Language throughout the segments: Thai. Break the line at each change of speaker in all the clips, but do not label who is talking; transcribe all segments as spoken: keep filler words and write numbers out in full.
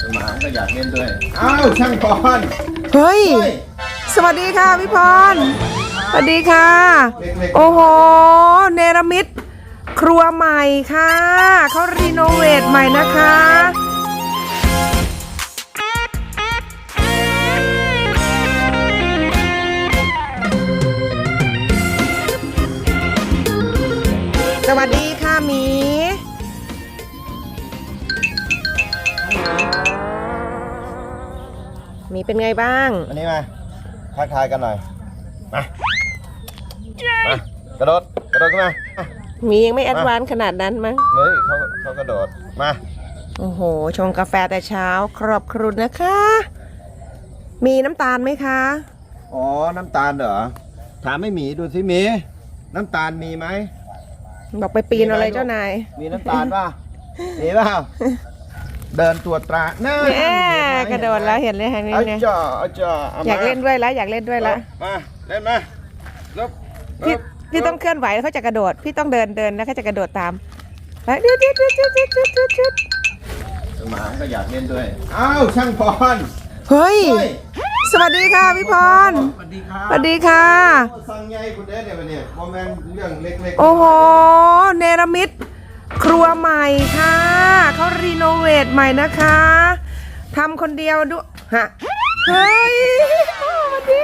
หมาก็อยากเล่นด้วยอ้าวช่างพร
เฮ้ยสวัสดีค่ะพี่พรสวัสดีค่ะโอ้โหเนรมิตครัวใหม่ค่ะเขารีโนเวทใหม่นะคะสวัสดีค่ะหมีหมีเป็นไงบ้าง
อันนี้มาทักทายกันหน่อยมามากระโดดกระโดดขึ้นมา
หมียังไม่แอดวานซ์ขนาดนั้นมั้ง
เฮ้ยเขาเขากระโดดมา
โอ้โหชงกาแฟแต่เช้าครอบครุนนะคะมีน้ำตาลไหมคะ
อ๋อน้ำตาลเหรอถามไม่หมีดูสิหมีน้ำตาลมีไหม
บอกไปปีนอะไรเจ้านาย
มีน้ำตาลป่ะมีเปล่าเดินตรวจตราหน้าก
ระโดดแล้วเห็นเลยฮะนี่เนี่ยอยากเล่นด้วยแล้วอยากเล่นด้วยแล้ว
มาเล่นมา
พี่พี่ต้องเคลื่อนไหวแล้วเขาจะกระโดดพี่ต้องเดินเดินแล้วเขาจะกระโดดตามแล้วเดือดเดือดเดือดเดือดเดือดเดือดเดือดเดือด
หมาก็อยากเล่นด้วยอ้าวช่างพร
เฮ้ยสวัสดีค่ะพี่พร
สวัสดีค่ะ
สวัสดีค่ะ
สั่งใหญ่คุณเด้เนี่ยวันนี้โมเมนต์เรื่องเล็ก
ๆโอ้โหเนรมิตครัวใหม่ค่ะเขารีโนเวทใหม่นะคะทำคนเดียวด้วยฮะเฮ้ยสวัสดี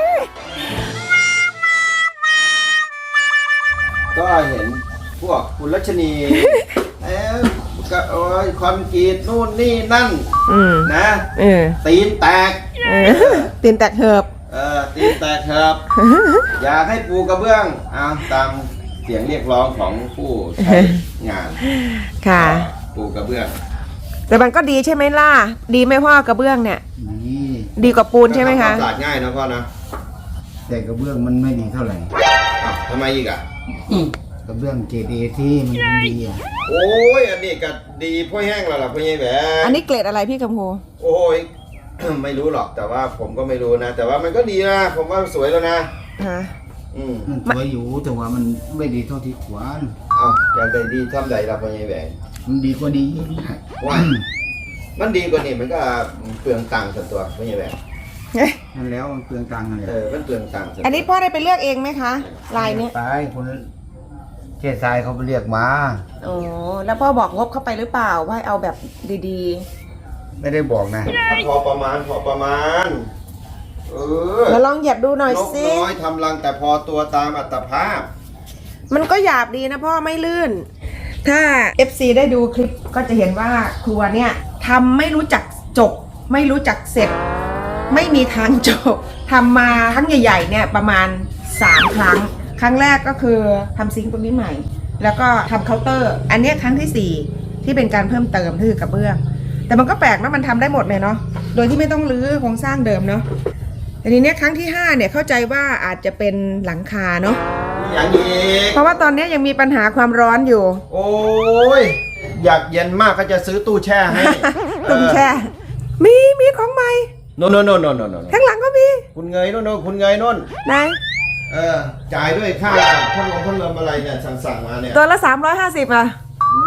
ก็เห็นพวกคุณรัชนีเอ๊ะก็โอ้ยคอนกรีตนู่นนี่นั่นนะตีนแตก
ตีนแตกเหิบ
เออตีนแตกเหิบอยากให้ปูกระเบื้องเอาตามเสียงเรียกร้องของผู้ใช้งาน
ค่ะ
ปูกระเบื้อง
แต่มันก็ดีใช่ไหมล่ะดีไหมพ่อกระเบื้องเนี่ยดีกว่าปูนใช่ไหมคะ
สะอาดง่ายนะพ่อนะ
แต่กระเบื้องมันไม่ดีเท่าไหร่
ทำไมอีกอ่ะ
กระเบื้องเกรดเอที่มันดีอ่ะ
โอ้ยอันนี้ก็ดีพ่อแห้งแล้วล่ะพ่อใหญ่แหว
อันนี้เกรดอะไรพี่คำพู
โอ้ยไม่รู้หรอกแต่ว่าผมก็ไม่รู้นะแต่ว่ามันก็ดีนะผมว่าสวยแล้วนะ
ฮะ
มันสวยอยู่แต่ว่ามันไม่ดีเท่าที่ควร
เอาอย่างใดดีทำใดเราพ่อใหญ่แหว
มันดีกว่าดี
ว่ามันดีกว่านี้มันก็เปลืองตังค์ส่วนตัวพ่อใหญ่แหว
นั่นแล้วมันเปลืองตังค์อะไร
เออมันเปลืองตังค์
อันนี้พ่อได้ไปเลือกเองไหมคะลายนี้
ไปคนเจ๊ทรายเขาไปเรียกมา
โอ้แล้วพ่อบอกงบเข้าไปหรือเปล่าว่าเอาแบบดี
ๆไม่ได้บอกนะ
พอประมาณพอประมาณ
เออมาลองหยับดูหน่อยสิ
นกน้อยทำรังแต่พอตัวตามอัตภาพ
มันก็หยาบดีนะพ่อไม่ลื่นถ้า เอฟ ซี ได้ดูคลิปก็จะเห็นว่าครัวเนี่ยทำไม่รู้จักจบไม่รู้จักเสร็จไม่มีทางจบทำมาครั้งใหญ่ๆเนี่ยประมาณสามครั้งครั้งแรกก็คือทำซิงค์ตรงนี้ใหม่แล้วก็ทำเคาน์เตอร์อันนี้ครั้งที่สี่ที่เป็นการเพิ่มเติมคือกระเบื้องแต่มันก็แปลกนะมันทำได้หมดเลยเนาะโดยที่ไม่ต้องรื้อโครงสร้างเดิมเนาะแต่ทีนี้ครั้งที่ห้าเนี่ยเข้าใจว่าอาจจะเป็นหลังคาเนาะ
อย่างนี้
เพราะว่าตอนนี้ยังมีปัญหาความร้อนอยู่
โอ้ยอยากเย็นมากก็จะซื้อตู้แช่ให้
ตู้แช่มีมีของใหม่
โน่นโน่นโน่นโน่นโน่น
ข้างหลังก็มี
คุณเงยโน่นโน่นคุณเงยโน่น
ไหน
เออจ่ายด้วยค่าพัดลมพัดลมอะไรเนี่ยสั่งสั่งมาเนี่ย
ตัวละสามร้อยห้าสิบอ่ะ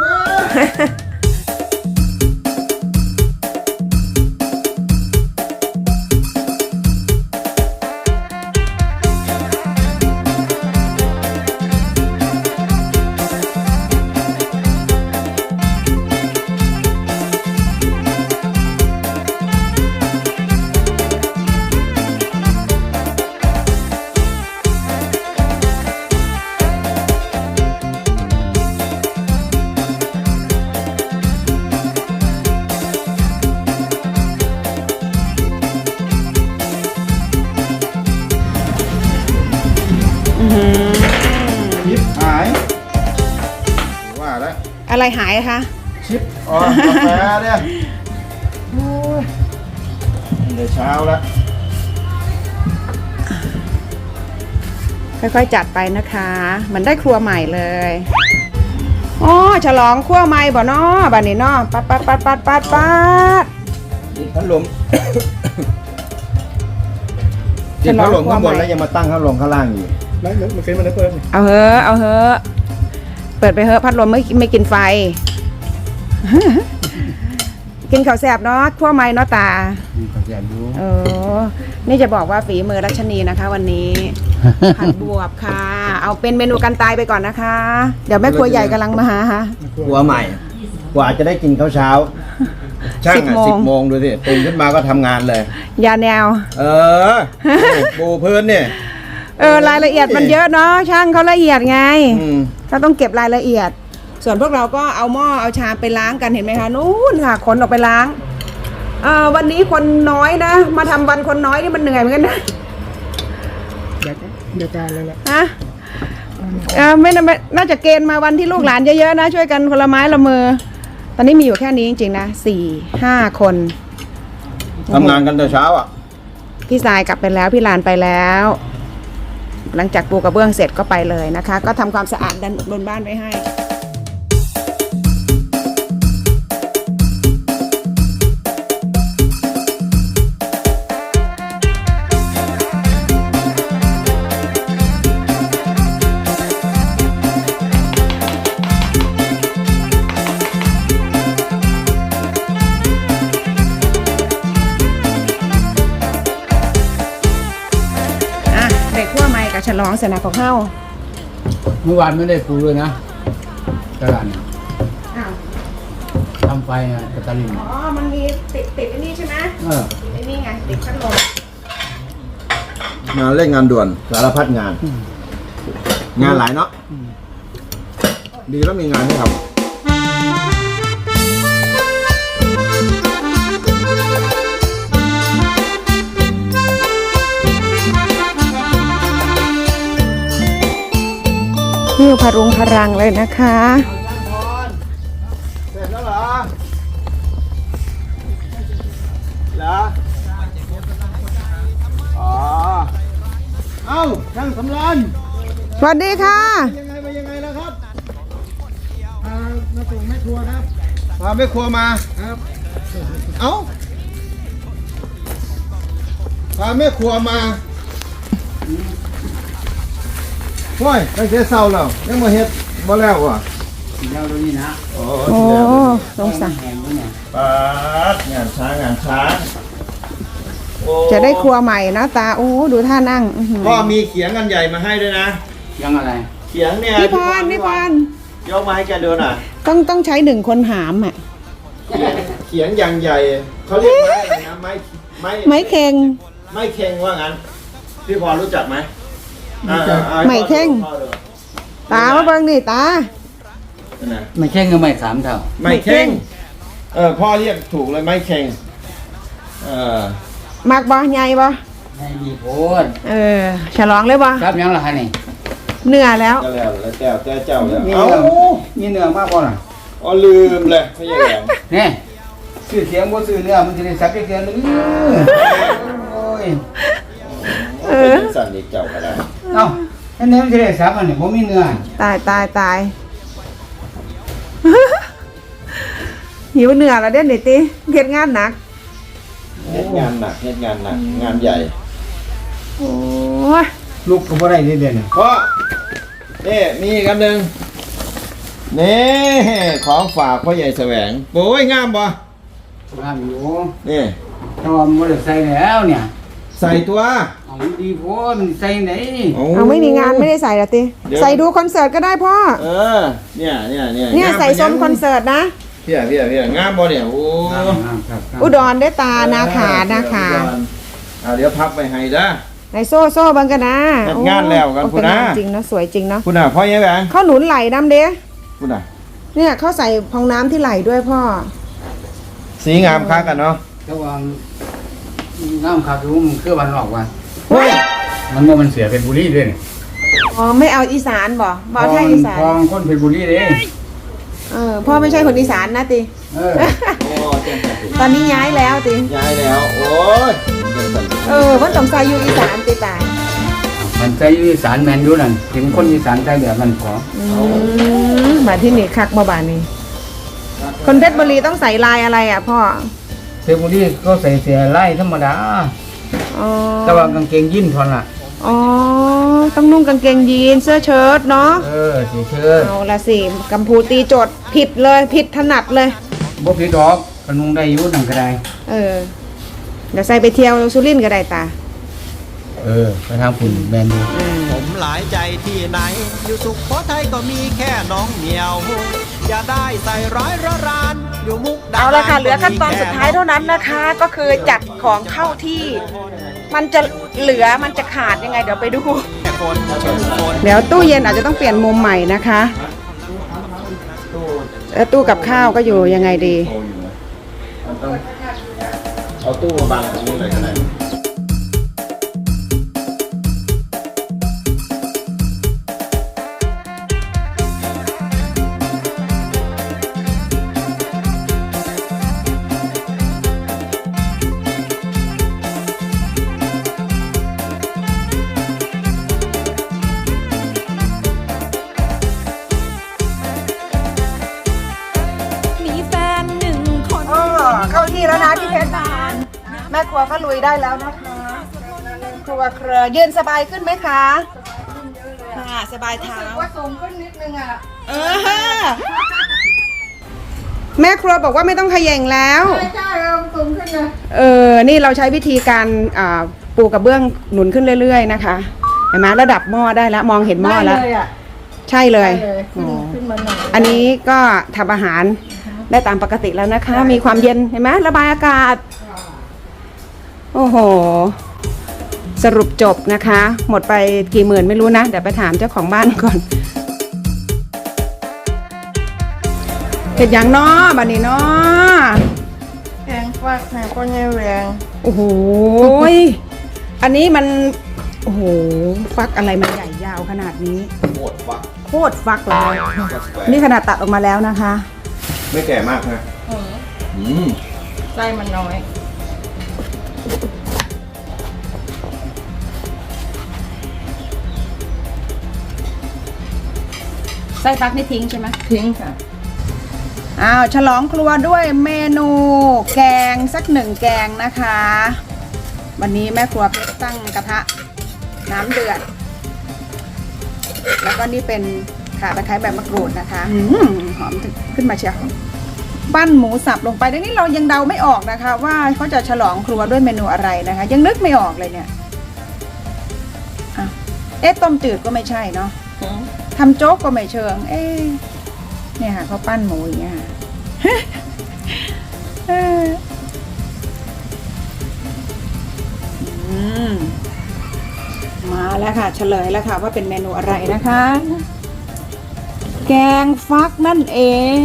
ชิปหายว่าแล้ว
อะไรหายคะ
ชิปอ๋อกาแฟเนี่ยเดี๋ยวเช้าแล้ว
ค่อยๆจัดไปนะคะมันได้ครัวใหม่เลยอ๋อฉลองครัวใหม่บ่เนาะบ้านนี้เนาะปัดปัดปัดปัดปัดปัด
พัดลมติดพัดลมข้างบนแล้วยังมาตั้งพัดลมข้างล่างอยู่
ไม่มันเคยมันได้เปิด
เอาเหอะเอาเหอะเปิดไปเหอะพัดลมไม่ไม่กินไฟกินข้าวแซ่บเนาะทั่วไม้เนาะตา
มีข้าวแกงอยู่
เออนี่จะบอกว่าฝีมือรัชนีนะคะ วันนี้ ผัดบวบค่ะ เอาเป็นเมนูกันตายไปก่อนนะคะ เดี๋ยวแม่ครัวใหญ่กำลังมาหาค่ะ
หัวใหม่ กว่าจะได้กินข้าวเช้า ช่าง
สิบ
อ่ะ
โมง
สิบโมงดูสิตื่นขึ้นมาก็ทำงานเลย
ยาแนว
เออ ปูพื้นเนี่ย
เออรายละเอียดมันเยอะเนาะช่างเขาละเอียดไง
อืม
เขาต้องเก็บรายละเอียด ส่วนพวกเราก็เอาหม้อเอาชามไปล้างกันเห็นไหมคะนู้นค่ะขนออกไปล้างเอ่อวันนี้คนน้อยนะ มาทำวันคนน้อยนี่มันเหนื่อยเหมือนกันนะ
เดี๋ยวเดี๋ยวจานเลยแหละ
ฮะเออไม่น่าไม่น่าจะเกณฑ์มาวันที่ลูกหลานเยอะๆนะ ช่วยกันคนละไม้ละมือ ตอนนี้มีอยู่แค่นี้จริงๆนะสี่ห้าคน
ทำงานกันแต่เช้าอ่ะ
พี่สายกลับไปแล้วพี่ลานไปแล้ว หลังจากปูกระเบื้องเสร็จก็ไปเลยนะคะ ก็ทำความสะอาดด้านบนบ้านไว้ให้อ่ะเด็กขั้วไม้กับฉลองเสนาของเฮ้า
เมื่อวานไม่ได้ปูเลยนะกระดานเนี่ย
อ้าว
ทำไฟนะกระตาลิน
อ๋อ มันมีติดติดไอ้นี่ใช่ไหม
เออ
ติดไอ้นี่ไง ติดพัดลม
งานเร่งงานด่วนสารพัดงาน งานหลายเนาะดีแล้วมีงานให้ทำ
หิ้วพรุงพรังเลยนะคะ
เสร็จแล้วเหรอ เหรอ อ๋อ เอ้าช่างสำราน
สวัสดีค่ะ
ยังไงไปยังไงแล้วครับมามาส่งแม่ครัวครับพาแม่ครัวมาครับ เอ้าพาแม่ครัวมาโอ้ยตั้งแต่เช้าแล้วยังมาเฮ็ดบ่แล้วว่ะ
เดี๋ยวดูนี่นะ
โอ้
โอ้สงสาร
แหงด้วยเนี่ย
ปาดงานช้างงานช้างโอ้
จะได้ครัวใหม่นะตา โอ้ ดูท่านั่งอื้อหือ
พ่อมีเขียงกันใหญ่มาให้ด้วยนะ
ยังอะไร
เขียงเนี่ย
พี่พรพี่พร
ยกมาให้แกดูหน่อย
ต้องต้องใช้หนึ่งคนหามอ่ะ
เขียงอย่างใหญ่เขาเรียกไม้อะไรนะไม้ไม้
ไม้เค็ง
ไม้เค็งว่างั้น พี่พรรู้จักไหมอ่าอ่า
ไม้เค็ง
พ่อดู
ตามาเบิ่งนี่ตา
นั่นนะ
ไม่ใช่เงินไม่สามเท่า
ไม้เค็งเออพ่อเรียกถูกเลยไม้เค็งเออ
มักบ่ใหญ่บ่
ไม่มีโพด
เออ ฉลองเลยบ่
ครับยังล่ะฮะนี่
เหนื่อยแล้ว
ก็แล้วแล้วแก้วแก้วเจ้าแล้ว
มี
เอ้า
เนื้อมีเนื้อมากพอน่ะ
อ๋อลืมเลยไม่ใช่แหวน
นี่ซื้อเสียงบ่ซื้อเนื้อมันจะได้สับได้เกินนึงโอ้ย
เออ
เป็นสันนิษเจ้าก็ได้
เอ้าอันนี้มันจะได้สับอันนี้บ่มีเนื้อ
ตายตายตาย หิวเหนื่อยแล้วเด่นนี่ติเฮ็ดงานหนัก
เฮ็ดงานหนักเฮ็ดงานหนักงานใหญ่
โอ้ย
ลูกก็บ่ได้เดือนนี่
เพราะนี่มีอีกอันหนึ่งนี่ของฝากพ่อใหญ่แสวงโอ้ยงามบ่
งามอยู่
นี่
แต่ว่ามันบ่ได้ใส่แล้วเนี่ย
ใส่ตัว
เอาดีโพดมันใส่ไหน
เอาไม่มีงานไม่ได้ใส่หรอติ
เดี๋ยว
ใส่ดูคอนเสิร์ตก็ได้พ่อ
เออเนี่ยเนี่ยเนี่ย
เนี่ย
งาม
ใส่
ป
ส้มคอนเสิร์ตนะ
พี่อ่ะพี่อ่ะพี่อ่ะงามบ่เนี่ยโอ้
ครับ
อุดรได้ตานาขานาขา
อ่าเดี๋ยวพับไปให้เด้อ
ในโซ่โซ่บังกันนะ
จัดงานแล้วกัน
โอ้
พุ่นนะ
เป็นงาจริงนะสวยจริงเนาะ
คุณน่ะพ่อใหญ่แหวง
เขาหนุนไหลน้ำเด้
คุณน่ะ
เนี่ยเขาใส่พองน้ำที่ไหลด้วยพ่อ
สีงามค้ากันเนาะ
แต่ว่าน้ำขาดรู้มันคือวันออกว่า
เฮ้ย
มันบ่มันเสียเป็นบุรีด้วยนี่
อ๋อไม่เอาอีสานบ่บ่เอาไทยอีสาน
พองคนเป็นบุรีเด้
เออพ่อไม่ใช่คนอีสานนะติ
เออ
โอ้เจ๋งจังสิ
ตอนนี้ย้ายแล้วติ
ย้ายแล้วโอ้ยเจ๋งจังสิ
เออเพิ่นต้องใส่อยู่อีสานติตาย
มันใจอีสานแมนอยู่นั่นถึงคนอีสานใจแบบมันขอ
อืมมาที่นี่คักมาบานนี้คนเพชรบุรีต้องใส่ลายอะไรอ่ะพ่อ
เทบุรีก็ใส่เสียไล่ธรรมดา
อ๋อ
แต่ว่ากางเกงยีนส์ทอนล่ะ
อ๋อต้องนุ่งกางเกงยีนเสื้อเชิ้ตเนาะ
เออสีเชิด
เอาละสิกัมพูตีโจทย์ผิดเลยผิดถนัดเลย
บ่ผิดดอกคปนุงได้อยู่นั่นก็ได้
เออเดี๋ยวใส่ไปเที่ยวสุรินทร์ก็ได้ตา
เออไปทางคุณแมนดู
ผมหลายใจที่ไหน อยู่สุขโขทัยก็มีแค่น้องเหมียว อย่าได้ใส่ร้ายระรานอยู่มุกดาหาร
เอาละค่ะเหลือขั้นตอนสุดท้ายเท่านั้นนะคะ ก็คือจัดของเข้าที่ มันจะเหลือมันจะขาดยังไงเดี๋ยวไปดู
แค่คนเชิญคน
เดี๋ยวตู้เย็นอาจจะต้องเปลี่ยนมุมใหม่นะคะแล้วตู้กับข้าวก็อยู่ยังไงดี
โตอยู่นะมันต้องเอาตู้มาบังตรงนี้เลยก็ได้
มีแฟนหนึ่งคน
เข้าที่แล้วนะพี่เพชรแม่ครัวก็ลุยได้แล้วนะคะครัวเครือยืนสบายขึ้นไหมคะค่ะสบายเท้าว่าสูงขึ้นนิดนึงอ่ะเออแม่ครัวบอกว่าไม่ต้องเขย่งแล้วใช่ใช่สูงขึ้นเลยเออนี่เราใช้วิธีการอ่าปูกระเบื้องหนุนขึ้นเรื่อยๆนะคะเห็นไหมระดับหม้อได้แล้วมองเห็นหม้อแล้วใช่เลยอ๋ออันนี้ก็ทำอาหารได้ตามปกติแล้วนะคะ มีความเย็นเห็นไหมระบายอากาศ โอ้โห สรุปจบนะคะ หมดไปกี่หมื่นไม่รู้นะ เดี๋ยวไปถามเจ้าของบ้านก่อนเห็ดอย่างน้อบันนี้น้อ
แกงฟักค่ะก็ยังแรง
โอ้โหยอันนี้มัน โอ้โห ฟักอะไรมันใหญ่ยาวขนาดนี้
โคตรฟัก
โคตรฟักเลยนี่ขนาดตัดออกมาแล้วนะคะ
ไม่แก่มากนะ
เออ
อืม
ไส้มันน้อย
ไส้ฟักนี่ทิ้งใช่ไหม
ทิ้งค่ะ
อ้าวฉลองครัวด้วยเมนูแกงสักหนึ่งแกงนะคะ วันนี้แม่ครัวเพชรตั้งกระทะน้ำเดือด แล้วก็นี่เป็นข่าตะไคร้แบบมะกรูดนะคะอืมหอมขึ้นมาเชียวปั้นหมูสับลงไปดังนี้เรายังเดาไม่ออกนะคะ ว่าเขาจะฉลองครัวด้วยเมนูอะไรนะคะ ยังนึกไม่ออกเลยเนี่ยอ่ะเอ๊ะต้มจืดก็ไม่ใช่เนาะทำโจ๊กก็ไม่เชิง เอ๊ะเนี่ยค่ะเขาปั้นหมูอย่างเงี้ยค่ะ เอออืมมาแล้วค่ะ เฉลยแล้วค่ะว่าเป็นเมนูอะไรนะคะ แกงฟักนั่นเอง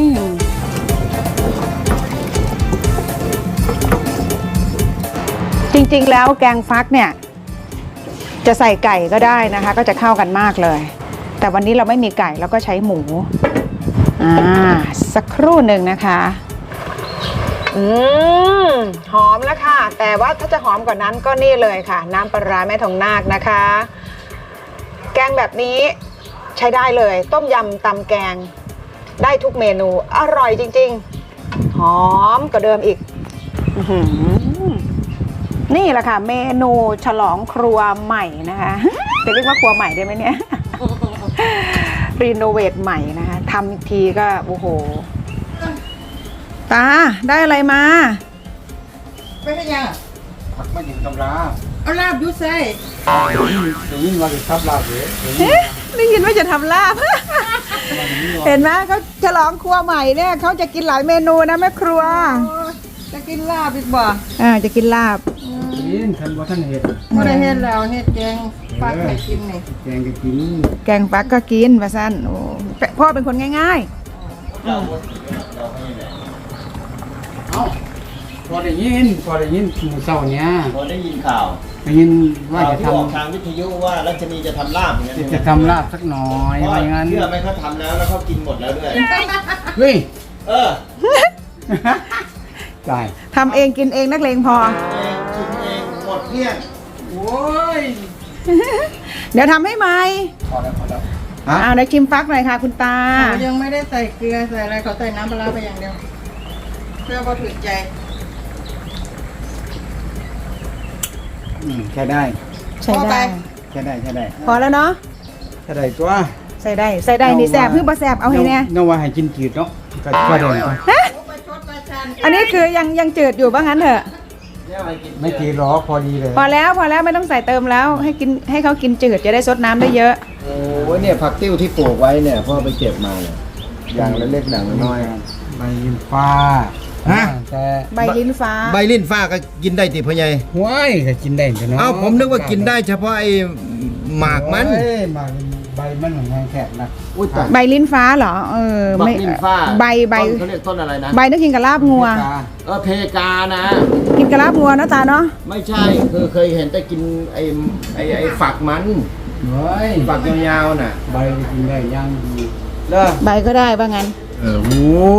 จริงๆแล้วแกงฟักเนี่ย จะใส่ไก่ก็ได้นะคะ ก็จะเข้ากันมากเลย แต่วันนี้เราไม่มีไก่เราก็ใช้หมูอ่าสักครู่หนึ่งนะคะอืมหอมแล้วค่ะ แต่ว่าถ้าจะหอมกว่านั้นก็นี่เลยค่ะ น้ำปลาร้าแม่ทองนาคนะคะ แกงแบบนี้ใช้ได้เลย ต้มยำตำแกงได้ทุกเมนูอร่อยจริงๆหอมกว่าเดิมอีกอื้อหือนี่แหละค่ะ เมนูฉลองครัวใหม่นะคะจะเรียกว่าครัวใหม่ได้ไหมเนี่ย รีโนเวทใหม่นะคะทำอีกทีก็โอ้โหตาได้อะไรมา
ไม่ใช่ยัง
ผักไม่ถึงตำรา
เอาลาบยุใส่
จะยิ่งมาถึงทับลาบเลย
เอ๊ะได้ยินว่าจะทำลาบ เห็นไหมเขาฉลองครัวใหม่เนี่ยเขาจะกินหลายเมนูนะแม่ครัว
จะกินลาบอีกบ่
อ่าจะกินลาบ
กินทันว่าท่านเห็ด
ไม่ได้เฮ็ดแล้วเฮ็ดแกงฟักให้กินนี่
แกงก็กิน
แกงฟักก็กินมาสั้นโอ้พ่อเป็นคนง่าย
เอ้าพอได้ยินพอได้ยินหมูเศร้าเนี้ย
พอได้ยินข่าว
ได้ยินว่า
ข่าว
จะ
ที่
ท
ออกทางวิทยุว่ารัชนีจะทำลาบอย่างนั้น
ำจะทำลาบสักหน่อย
เพราะ
ว่าอย่างนั้น
เชื่อไหมเขาทำแล้วแล้วเขากินหมดแล้วด้วย
เฮ้ย
เออ
ได้
ๆทำเองกินเองนักเลงพอ
เองกินเองหมดเกลี้ยง
โอ้ย
เดี๋ยวทำให้ไหม
พอแล้วพอแล้วฮะ
อ่าเดี๋ยวชิมฟักหน่อยค่ะคุณตา
เขายังไม่ได้ใส่เกลือใส่อะไรเขาใส่น้ำปลาร้าไปอย่างเดียวเพื่อพอถึงใจ
อืมแค่ได้
ใช่ได้
แค่ได้แค่ได้
พอแล้วเนาะ
แค่ได้ตัว
ใส่ได้ใส่ได้นี่แสบเพื่อบ่แสบเอาให้แน่
น้องว่าให้กินจืดเนาะก็ก็ได้
ไปชดประชา
อันนี้คือยังยังจืดอยู่ว่างั้นเถอะ
ไม่กี่หรอกพอดีเลย
พอแล้วพอแล้วไม่ต้องใส่เติมแล้ว ให้กินให้เขากินจืดจะได้ซดน้ำได้เยอะ
โอ้ยเนี่ยผักติ้วที่ปลูกไว้เนี่ยพ่อไปเก็บมาเนี่ยอย่างเล็กๆอย่างน้อย
ใบยิมฟ้า
ฮะ
แต่
ใบลิ้นฟ้า
ใบลิ้นฟ้าก็กินได้ติพ่อใหญ่
ห้วยก็กินได้จ้ะเนาะ
เอ้าผมนึกว่ากินได้เฉพาะไอ้หมากมัน
โอ้ยหมากใบมันเหมือนแขกนะ
อุ้ยตาย
ใบลิ้นฟ้าเหรอเออ
บัก
ไม่
ลิ้นฟ้า
ใบใบ
ต้นเขาเรียกต้นอะไรนะ
ใบนึกกินกับลาบงัว
เออเพกานะ
กินกับลาบงัวนะตาเนาะ
ไม่ใช่คือเคยเห็นแต่กินไอ้ไอ้ไอ้ฝักมัน
เฮ้ย
ฝักยาวๆน่ะ
ใบก็กินได้ย่างดีเด้อ
ใบก็ได้ว่างั้น
เออโห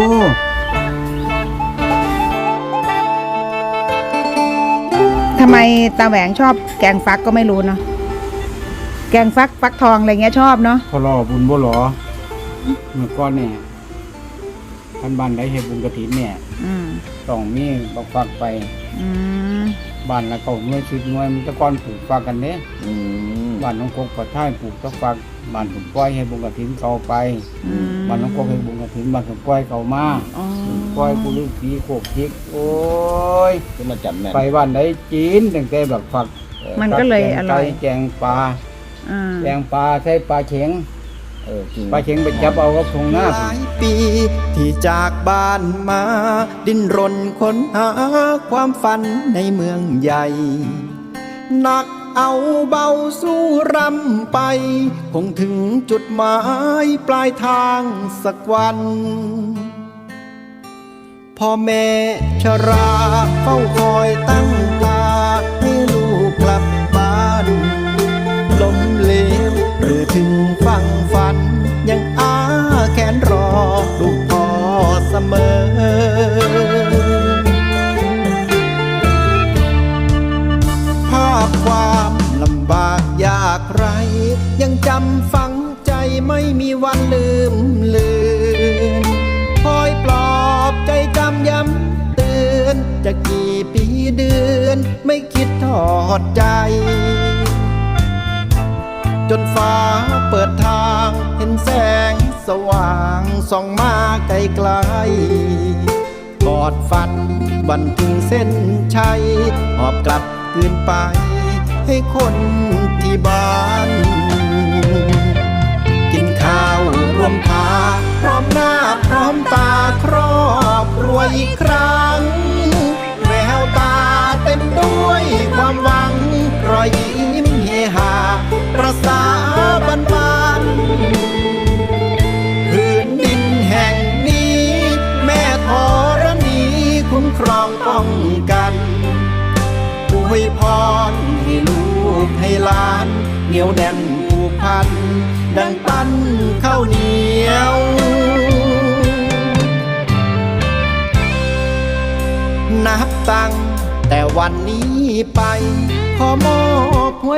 ทำไมตาแหวงชอบแกงฟักก็ไม่รู้เนาะแกงฟักฟักทองอะไรเงี้ยชอบเนาะ
พอรอบุญบ่หรอเมื่อก่อนเนี่ยท่านบ้านได้เฮ็ดบุญกฐินเนี่ย
อืม
ต้องมีบักฟักไป
อืม
บ้านละเก้าหน่วยสิบหน่วยมันแตะก้อนปลูกฟักกันเด้
อืม
บ้านน้องกกปะท้ายปลูกตะฟักบ้านผมปล่อยให้บุญกฐินเขาไป
อืม
บ้านน้องกกให้บุญกฐินบ้านผมปล่อยเขามา
อ๋อ
ปล่อยบุรุษผีโคกพิกโอ้ย
ขึ้นมาจับแม่น
ไปบ้านไหนจีนตั้งแต่บักฟัก
มันก็เลยอร่อย
แกงปลา
อ่า
แกงปลาใช้ปลาเข็ง
เออจริง
ปลาเข็งไปจับเอากับทงหน้า
หลายปีที่จากบ้านมา ดิ้นรนค้นหาความฝันในเมืองใหญ่หนักเอาเบาสู้รำไป คงถึงจุดหมายปลายทางสักวัน พ่อแม่ชราเฝ้าคอยตั้งตาให้ลูกกลับบ้านล้มเหลวหรือถึงฝั่งฝัน ยังอาแขนรอลูกพ่อเสมอ ภาพความลำบากยากไร ยังจำฝังใจไม่มีวันลืมเลือนคอยปลอบใจจำย้ำเตือนจะกี่ปีเดือนไม่คิดทอดใจ จนฟ้าเปิดทางเห็นแสงสว่างส่องมาไกลไกลกอดฝันวันถึงเส้นชัยหอบกลับคืนไปให้คนที่บ้าน กินข้าวรวมพาพร้อมหน้าพร้อมตาครอบครัวอีกครั้งแววตาเต็มด้วยความหวังรอยยิ้มเฮฮาประสาบานบานพื้นดินแห่งนี้ แม่ธรณีคุ้มครองป้องกันอวยพรให้ลูกให้หลานเหนียวแน่นผูกพันดังปั้นข้าวเหนียว นับตั้งแต่วันนี้ไปขอมอบหัว